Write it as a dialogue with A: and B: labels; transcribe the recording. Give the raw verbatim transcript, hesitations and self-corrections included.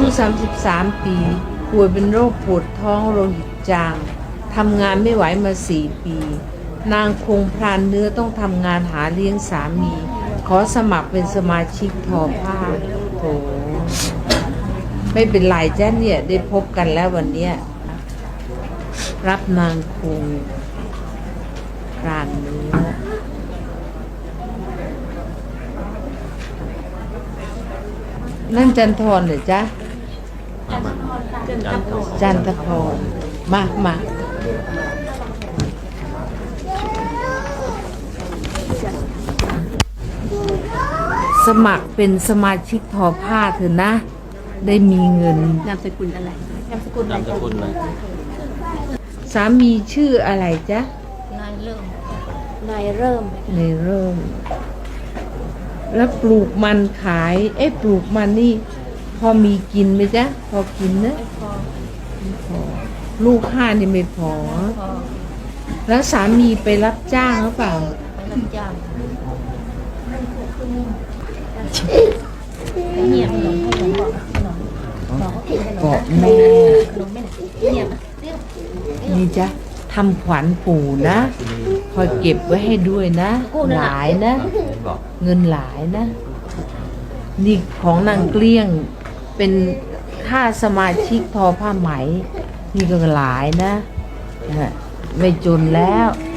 A: สามสิบสามปีป่วยเป็นโรคปวดท้องโลหิตจางทำงานไม่ไหวมาสี่ปีนางคงพรานเนื้อต้องทำงานหาเลี้ยงสามีขอสมัครเป็นสมาชิกทอผ้าโถไม่เป็นไรจ้ะเนี่ยได้พบกันแล้ววันเนี้ยรับนางคงพรานเนื้อนั่นจันทรเหรอจ๊ะจันทพรมามาสมัครเป็นสมาชิกทอผ้าเถอะนะได้มีเงิน
B: นามสกุลอะไรนามสกุลอะไร
C: นามสกุลอะไร
A: สามีชื่ออะไรจ๊ะ
B: นายเริ่มนายเริ่ม
A: นายเริ่มแล้วปลูกมันขายเอ๊ะปลูกมันนี่พอมีกินไหมจ๊ะพอกินนะไม่พอลูกห้านี่ไม่พอแล้วสามีไปรับจ้างหรือเปล่า
B: ไปรับจ้างเงียบหนมให้หนมบอกหนมบอกเขากินขนม
A: เกาะแม่
B: ขนมไม่ไหนเงียบเรียบ
A: นี่จ๊ะทำขวัญปู่นะคอยเก็บไว้ให้ด้วยนะหลายนะเงินหลายนะนี่ของนางเกลี้ยงเป็นค่าสมาชิกทอผ้าไหมนี่ก็หลายนะไม่จนแล้ว